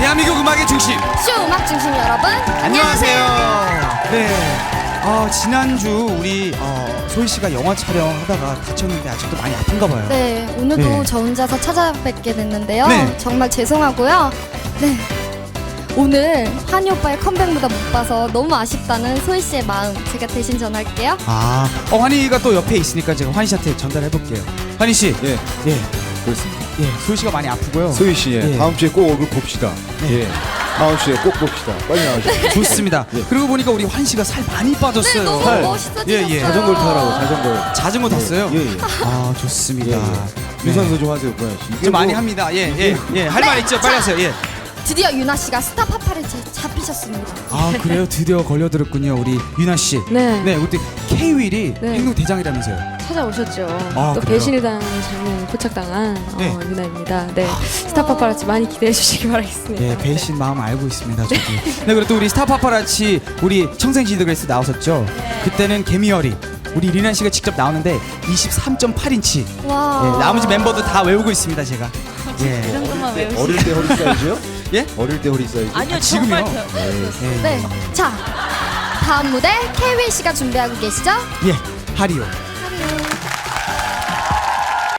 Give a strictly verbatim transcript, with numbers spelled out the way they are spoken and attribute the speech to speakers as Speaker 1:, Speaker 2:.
Speaker 1: 대한민국 음악의 중심
Speaker 2: 쇼 음악 중심 여러분
Speaker 1: 안녕하세요. 네, 어, 지난주 우리 어, 소희 씨가 영화 촬영하다가 다쳤는데 아직도 많이 아픈가 봐요.
Speaker 2: 네, 오늘도
Speaker 1: 네.
Speaker 2: 저 혼자서 찾아뵙게 됐는데요.
Speaker 1: 네.
Speaker 2: 정말 죄송하고요. 네, 오늘 환희 오빠의 컴백 무대 못 봐서 너무 아쉽다는 소희 씨의 마음 제가 대신 전할게요.
Speaker 1: 아, 어, 환희가 또 옆에 있으니까 제가 환희 씨한테 전달해 볼게요. 환희 씨,
Speaker 3: 예,
Speaker 1: 예,
Speaker 3: 그렇습니다.
Speaker 1: 예, 소희 씨가 많이 아프고요.
Speaker 3: 소희 씨, 예.
Speaker 1: 예.
Speaker 3: 다음 주에 꼭 얼굴 봅시다.
Speaker 1: 네.
Speaker 3: 예, 다음 주에 꼭 봅시다. 빨리 나오시죠.
Speaker 1: 좋습니다.
Speaker 3: 예.
Speaker 1: 그러고 보니까 우리 환희 씨가 살 많이 빠졌어요.
Speaker 2: 네, 너무
Speaker 3: 살.
Speaker 2: 멋있어지셨어요.
Speaker 1: 예, 예.
Speaker 3: 자전거를 타라고 자전거.
Speaker 1: 자전거 탔어요?
Speaker 3: 예, 예.
Speaker 1: 아,
Speaker 3: 예,
Speaker 1: 좋습니다.
Speaker 3: 예. 유산소 좀 하세요, 고현 씨. 이게
Speaker 1: 좀 많이
Speaker 3: 뭐-
Speaker 1: 합니다. 예, 예, 예. 할 말 있죠? 빨리 하세요. 예.
Speaker 2: 드디어 유나 씨가 스타 파파라치 잡히셨습니다.
Speaker 1: 아, 그래요? 드디어 걸려들었군요, 우리 유나 씨.
Speaker 4: 네.
Speaker 1: 네, 그때 K-윌이
Speaker 4: 네.
Speaker 1: 행동 대장이라면서요.
Speaker 4: 찾아오셨죠.
Speaker 1: 아,
Speaker 4: 또
Speaker 1: 그래요?
Speaker 4: 배신을 당한 장면 포착당한
Speaker 1: 네.
Speaker 4: 어, 유나입니다. 네, 스타 파파라치 많이 기대해 주시기 바라겠습니다.
Speaker 1: 예, 배신 마음 알고 있습니다, 저도. 네, 그리고 또 우리 스타 파파라치 우리 청생지드그레스 나오셨죠? 그때는 개미열이 우리 리나 씨가 직접 나오는데 이십삼 점 팔 인치.
Speaker 2: 와.
Speaker 1: 예, 나머지 멤버도 다 외우고 있습니다, 제가. 예.
Speaker 4: 정도만 외우시.
Speaker 3: 어릴 때 허리 사이즈요?
Speaker 1: 예?
Speaker 3: 어릴 때 허리 사이즈?
Speaker 5: 아니요,
Speaker 1: 아, 지금요?
Speaker 5: 정말 배웠어요.
Speaker 1: 예.
Speaker 2: 네, 자 다음 무대 케이윌 씨가 준비하고 계시죠?
Speaker 1: 예, 하리오.